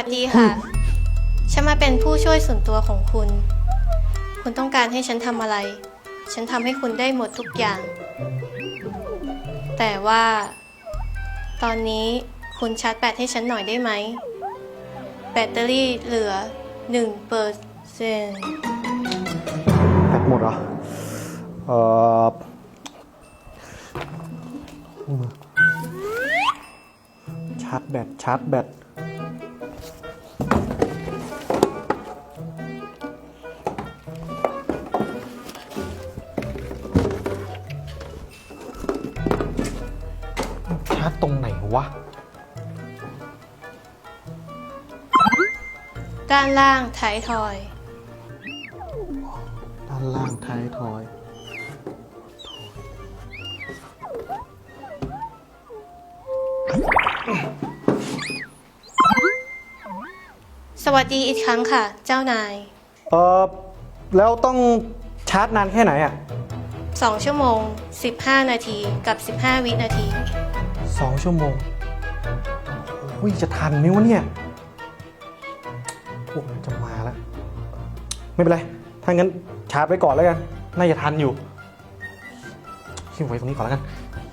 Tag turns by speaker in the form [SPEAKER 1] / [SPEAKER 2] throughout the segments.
[SPEAKER 1] สดีค่ะ ฉันมาเป็นผู้ช่วยส่วนตัวของคุณ คุณต้องการให้ฉันทำอะไร ฉันทำให้คุณได้หมดทุกอย่าง แต่ว่า ตอนนี้คุณชาร์จแบตให้ฉันหน่อยได้ไหม แบตเตอรี่เหลือ 1%
[SPEAKER 2] แบตหมดเหรอ ชาร์จแบต ชาร์จตรงไหนวะ
[SPEAKER 1] ด้านล่างท้ายทอย
[SPEAKER 2] ด้านล่างท้ายทอย
[SPEAKER 1] สวัสดีอีกครั้งค่ะ เจ้านาย
[SPEAKER 2] แล้วต้องชาร์จนานแค่ไหนอ่ะ
[SPEAKER 1] 2 ชั่วโมง 15 นาทีกับ 15 วินาที
[SPEAKER 2] 2 ชั่วโมงโอ้ยจะทันไหมวะเนี่ยโอ้จะมาแล้ว ไม่เป็นไร ถ้างั้นชาร์จไว้ก่อนแล้วกัน น่าจะทันอยู่ทิ้งไว้ตรงนี้ก่อนแล้วกัน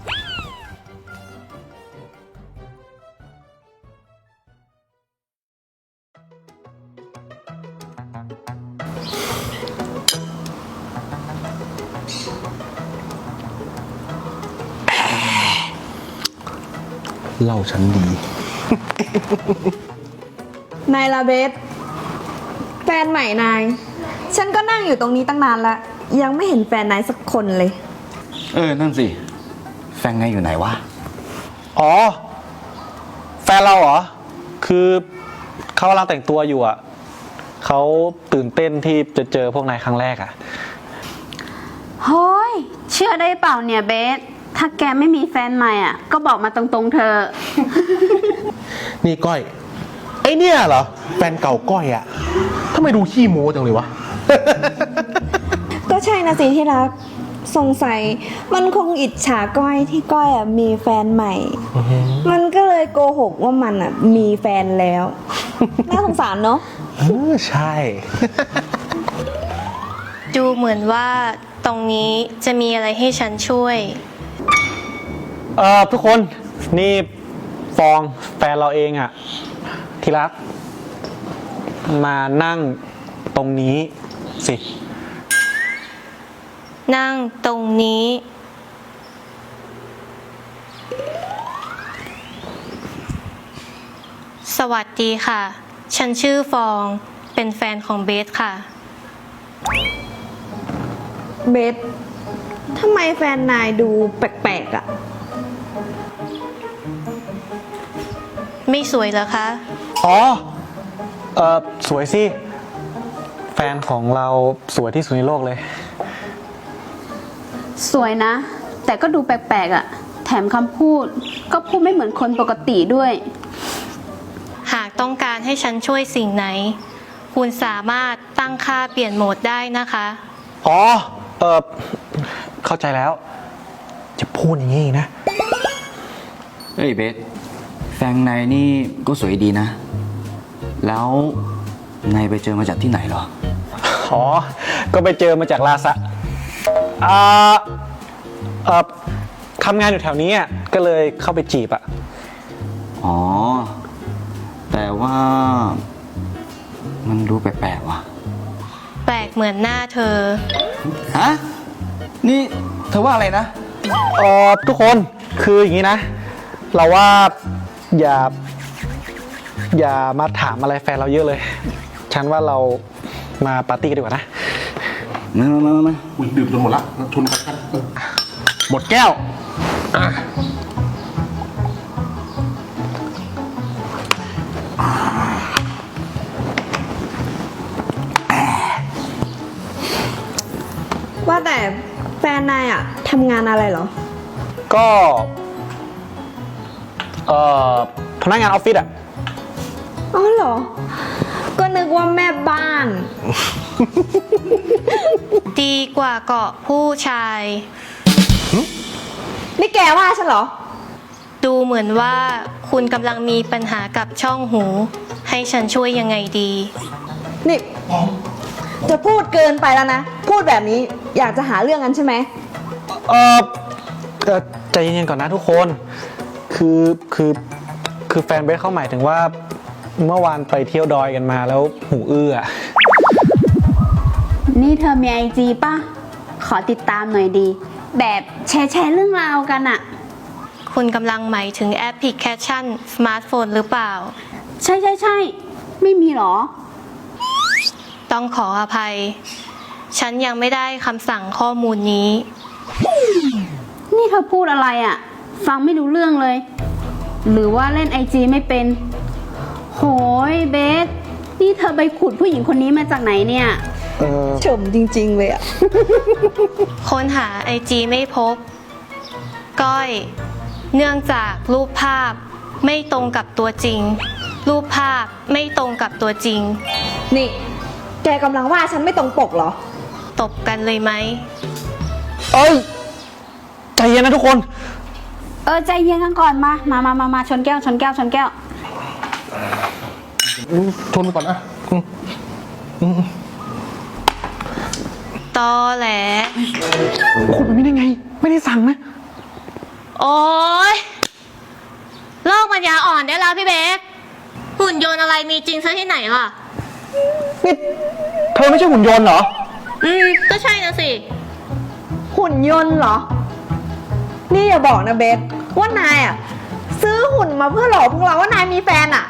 [SPEAKER 3] เล่าฉันดี
[SPEAKER 4] นายลาเบสแฟนใหม่นาย ฉันก็นั่งอยู่ตรงนี้ตั้งนานแล้ว ยังไม่เห็นแฟนนายสักคนเลย
[SPEAKER 3] นั่นสิ แฟนไงอยู่ไหนวะ
[SPEAKER 2] อ๋อ แฟนเราเหรอ คือเขากำลังแต่งตัวอยู่อ่ะ เขาตื่นเต้นที่จะเจอพวกนายครั้งแรกอ่ะ
[SPEAKER 5] เฮ้ยเชื่อได้เปล่าเนี่ยเบส ถ้าแกไม่มีแฟนใหม่อ่ะ ก็บอกมาตรงๆเธอ
[SPEAKER 6] นี่ก้อย ไอเนี่ยเหรอ แฟนเก่าก้อยอะทำไมดูขี้โม้จังเลยวะ
[SPEAKER 4] ก็ใช่นะสิที่รัก สงสัยมันคงอิจฉาก้อยที่ก้อยอ่ะมีแฟนใหม่ มันก็เลยโกหกว่ามันอ่ะมีแฟนแล้ว น่าสงสารเนาะ
[SPEAKER 6] ใช่
[SPEAKER 1] ดูเหมือนว่าตรงนี้จะมีอะไรให้ฉันช่วย
[SPEAKER 2] ทุกคนนี่ฟองแฟนเราเองอะที่รัก มานั่งตรงนี้สิ
[SPEAKER 1] นั่งตรงนี้ สวัสดีค่ะ ฉันชื่อฟองเป็นแฟนของเบสค่ะ
[SPEAKER 4] เบสทำไมแฟนนายดูแปลกๆอ่ะ
[SPEAKER 1] ไม่สวยเหรอคะ
[SPEAKER 2] อ๋อ สวยสิ แฟนของเราสวยที่สุดในโลกเลย
[SPEAKER 5] สวยนะ แต่ก็ดูแปลกๆอ่ะ แถมคำพูดก็พูดไม่เหมือนคนปกติด้วย
[SPEAKER 1] หากต้องการให้ฉันช่วยสิ่งไหน คุณสามารถตั้งค่าเปลี่ยนโหมดได้นะคะ
[SPEAKER 2] อ๋อ เข้าใจแล้ว จะพูดอย่างนี้นะ
[SPEAKER 3] เฮ้ยเบส แฟนนายนี่ก็สวยดีนะ แล้วนายไปเจอมาจากที่ไหนเหรอ
[SPEAKER 2] อ๋อ ก็ไปเจอมาจากลาซะทำงานอยู่แถวนี้อ่ะ ก็เลยเข้าไปจีบอ่ะ
[SPEAKER 3] อ๋อ แต่ว่ามันดูแปลกๆว่ะ
[SPEAKER 1] แปลกเหมือนหน้าเธอ
[SPEAKER 3] ฮะ นี่เธอว่าอะไรนะ
[SPEAKER 2] ทุกคนคืออย่างนี้นะ เราว่าอย่ามาถามอะไรแฟนเราเยอะเลย ฉันว่าเรามาปาร์ตี้กันดีกว่านะ
[SPEAKER 3] มา
[SPEAKER 6] อุ้ยดื่มจนหมดละชนกันหมดแก้ว
[SPEAKER 4] ว่าแต่แฟนนายอ่ะทำงานอะไรเหรอ
[SPEAKER 2] ก็พนักงานออฟฟิศอ่ะ
[SPEAKER 4] อ๋อเหรอ ก็นึกว่าแม่บ้าน
[SPEAKER 1] ดีกว่าเกาะผู้ชาย
[SPEAKER 4] นี่แกว่าฉันเหรอ
[SPEAKER 1] ดูเหมือนว่าคุณกำลังมีปัญหากับช่องหู ให้ฉันช่วยยังไงดี
[SPEAKER 4] นี่จะพูดเกินไปแล้วนะ พูดแบบนี้อยากจะหาเรื่องกันใช่ไหม
[SPEAKER 2] เออใจเย็นๆก่อนนะทุกคน คือแฟนเบสเขาหมายถึงว่าเมื่อวานไปเที่ยวดอยกันมาแล้วหูอื้ออะ
[SPEAKER 5] นี่เธอมีไอจีป่ะ ขอติดตามหน่อยดี แบบแชร์เรื่องราวกันอะ
[SPEAKER 1] คุณกำลังหมายถึงแอปพลิเคชันสมาร์ทโฟนหรือเปล่า
[SPEAKER 5] ใช่ไม่มีหรอ
[SPEAKER 1] ต้องขออภัย ฉันยังไม่ได้คำสั่งข้อมูลนี้
[SPEAKER 5] นี่เธอพูดอะไรอะฟังไม่รู้เรื่องเลย หรือว่าเล่นไอจีไม่เป็น โหยเบส นี่เธอไปขุดผู้หญิงคนนี้มาจากไหนเนี่ย
[SPEAKER 4] ชมจริงๆเลยอะ
[SPEAKER 1] ค้นหาไอจีไม่พบ ก้อย เนื่องจากรูปภาพไม่ตรงกับตัวจริง รูปภาพไม่ตรงกับตัวจริง
[SPEAKER 4] นี่ แกกำลังว่าฉันไม่ตรงปกเหรอ
[SPEAKER 1] ตบกันเลยไหม
[SPEAKER 2] เอ้ย ใจเย็นนะทุกคน
[SPEAKER 5] ใจเย็นกันก่อนมาชนแก้ว
[SPEAKER 6] ชนไปก่อนนะ
[SPEAKER 1] ตอแหล
[SPEAKER 2] คุณแบบนี้ได้ไง ไม่ได้สั่งนะ
[SPEAKER 1] โอ๊ยโลกปัญญาอ่อนได้แล้วพี่เบสหุ่นยนต์อะไรมีจริงซะที่ไหนล่ะ
[SPEAKER 2] นี่เธอไม่ใช่หุ่นยนต์เหรอ
[SPEAKER 1] ก็ใช่นะสิ
[SPEAKER 4] หุ่นยนต์เหรอ นี่อย่าบอกนะเบสว่านายอะซื้อหุ่นมาเพื่อหลอกพวกเราว่านายมีแฟนอะ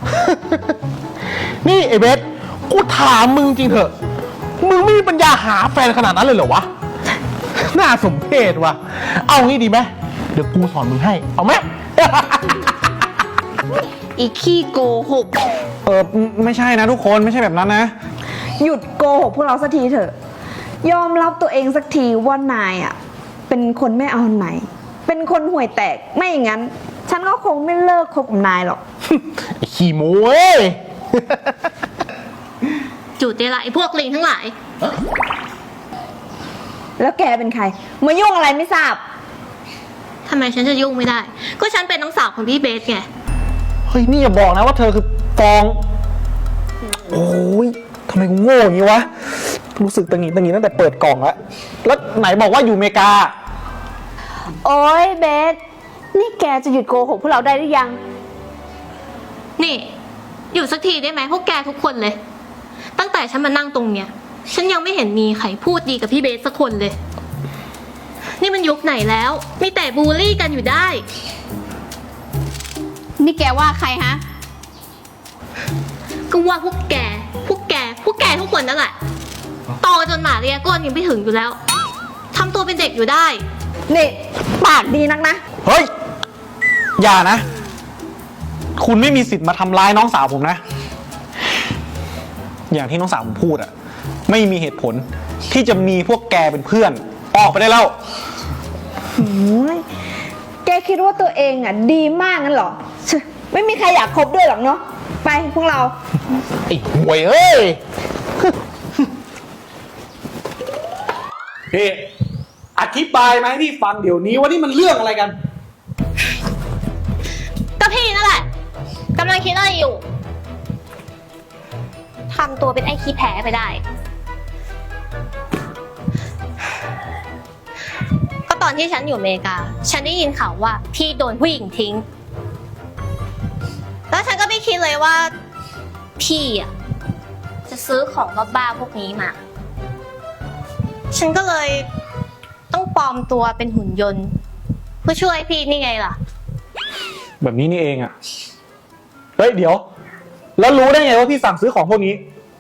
[SPEAKER 6] นี่ไอ้เบส กูถามมึงจริงเถอะ มึงไม่มีปัญญาหาแฟนขนาดนั้นเลยเหรอวะ น่าสมเพชว่ะ เอางี้ดีไหม เดี๋ยวกูสอนมึงให้ เอาไหม
[SPEAKER 5] อีกขี้โกหก
[SPEAKER 2] ไม่ใช่นะทุกคน ไม่ใช่แบบนั้นนะ
[SPEAKER 4] หยุดโกหกพวกเราสักทีเถอะ ยอมรับตัวเองสักทีว่านายอะเป็นคนไม่เอาไหน เป็นคนห่วยแตก ไม่อย่างนั้น ฉันก็คงไม่เลิกคบกับนายหรอก
[SPEAKER 6] ไอ้ขี้โม้เว้ย
[SPEAKER 1] จุดเดละไอ้พวกลิงทั้งหลาย
[SPEAKER 4] แล้วแกเป็นใคร มายุ่งอะไรไม่ทราบ
[SPEAKER 1] ทำไมฉันจะยุ่งไม่ได้ ก็ฉันเป็นน้องสาวของพี่เบสไง
[SPEAKER 2] เฮ้ย นี่อย่าบอกนะว่าเธอคือฟอง โอ้ยทำไมกูโง่อย่างนี้วะ รู้สึกตังหงิดตั้งแต่เปิดกล่องแล้ว แล้วไหนบอกว่าอยู่อเมริกา
[SPEAKER 5] โอ๊ยเบส นี่แกจะหยุดโกหกพวกเราได้หรือยัง
[SPEAKER 1] นี่ อยู่สักทีได้ไหมพวกแกทุกคนเลย ตั้งแต่ฉันมานั่งตรงเนี้ย ฉันยังไม่เห็นมีใครพูดดีกับพี่เบสสักคนเลย นี่มันยุคไหนแล้ว มีแต่บูลลี่กันอยู่ได้
[SPEAKER 5] นี่แกว่าใครฮะ
[SPEAKER 1] ก็ว่าพวกแกทุกคนนั่นแหละโตจนหมาเรียก้นยังไม่ถึงอยู่แล้วทำตัวเป็นเด็กอยู่ได้
[SPEAKER 4] นี่ ปากดีนักนะ
[SPEAKER 2] เฮ้ย อย่านะ คุณไม่มีสิทธิ์มาทำร้ายน้องสาวผมนะ อย่างที่น้องสาวผมพูดอะไม่มีเหตุผลที่จะมีพวกแกเป็นเพื่อน ออกไปได้แล้ว
[SPEAKER 4] โอ้ยแกคิดว่าตัวเองอ่ะดีมากงั้นเหรอเชื่อไม่มีใครอยากคบด้วยหรอกเนาะ ไปพวกเรา
[SPEAKER 6] ไอ้ห่วยเอ้ย
[SPEAKER 2] พี่อธิบายมาให้พี่ฟังเดี๋ยวนี้ว่านี่มันเรื่องอะไรกัน
[SPEAKER 1] ก็พี่นั่นแหละกำลังคิดอะไรอยู่ทำตัวเป็นไอ้ขี้แพ้ไปได้ ก็ตอนที่ฉันอยู่อเมริกา ฉันได้ยินข่าวว่าพี่โดนผู้หญิงทิ้ง แล้วฉันก็ไม่คิดเลยว่าพี่อ่ะจะซื้อของบ้าๆพวกนี้มา ฉันก็เลยต้องปลอมตัวเป็นหุ่นยนต์เพื่อช่วยพี่นี่ไงล่ะ
[SPEAKER 2] แบบนี้นี่เองอะเฮ้ย เดี๋ยว แล้วรู้ได้ไงว่าพี่สั่งซื้อของพวกนี้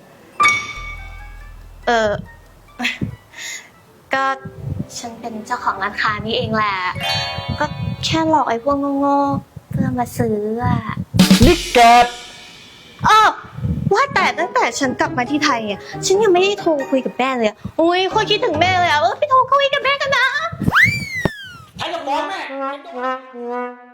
[SPEAKER 1] ก็ฉันเป็นเจ้าของร้านค้านี่เองแหละ ก็แค่หลอกไอ้พวกโง่ๆเพื่อมาซื้ออ่ะ
[SPEAKER 2] นี่แก
[SPEAKER 1] ว่าแต่ตั้งแต่ฉันกลับมาที่ไทยอ่ะฉันยังไม่ได้โทรคุยกับแม่เลยอ่ะอุ้ยโคตรคิดถึงแม่เลยอ่ะพี่โทรคุยกับแม่กันนะ
[SPEAKER 2] ใช้กับน้องแม่